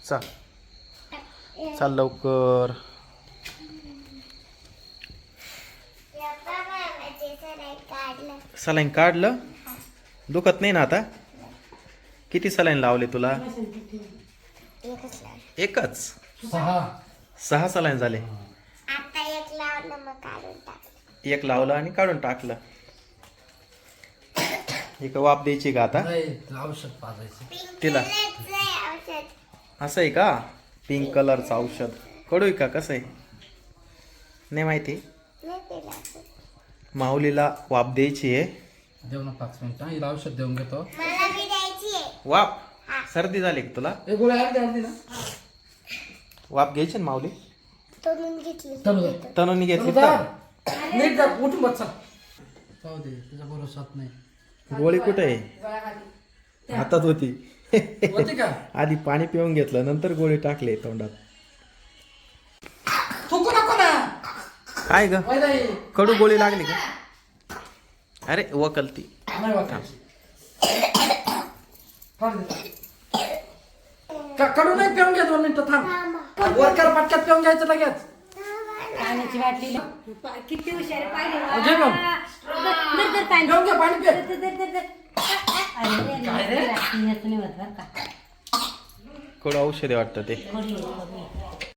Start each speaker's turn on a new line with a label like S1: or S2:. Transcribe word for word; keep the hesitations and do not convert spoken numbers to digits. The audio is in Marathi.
S1: चल चल लवकर. सलाईन काढलं. दुखत नाही ना आता. किती सलाईन लावले तुला? एकच.
S2: सहा
S1: सहा सलाईन झाले.
S3: आता एक लावलं मग काढून टाकलं.
S1: एक लावलं आणि काढून टाकलं. एक वाफ द्यायची का आता
S2: नाही औषध पाजायचं
S1: तिला?
S3: औषध
S1: असं आहे का? पिंक कलरचं औषध. कडू आहे का कसं आहे नाही माहिती.
S3: नाही पिलं असं.
S1: माऊलीला वाफ द्यायची आहे.
S2: देऊ ना पाच मिनिटं हिला औषध देऊन घेतो.
S3: मला बी द्यायची आहे.
S1: वाफ. सर्दी झाली का तुला?
S2: एक गोळी अर्धी अर्धी ना
S1: वाफ घ्यायची ना माऊली.
S3: तोडून घेतली.
S2: तनु
S1: तनुनी घेतली
S2: तनु
S1: तर
S2: जा. नीट जा उठून बस चल. जाऊ दे तुझा भरोसाच नाही.
S1: गोळी कुठे आहे? हातात होती.
S2: होते का
S1: आधी पाणी पिऊन घेतलं नंतर गोळी टाकले तोंडात.
S2: थुकू नको ना.
S1: काय ग
S2: वय नाही.
S1: कडू गोळी लागली का? अरे वकलती.
S2: नाही वाटायची. काढ दे. का कडू नाही पिऊन घ्या दोन मिनिटं थांब. वरकर पटक्यात पिऊन घ्यायचं लगेच.
S4: पाण्याची बाटली किती हुशार पाहिजे.
S2: घे मग.
S4: दर दर पाणी
S2: पिऊन घ्या पाणी पे.
S4: दर दर दर दर. अरे रे, रात्री नाही होत बरं का.
S1: कडू औषध वाटतं ते.
S4: थोडी थोडी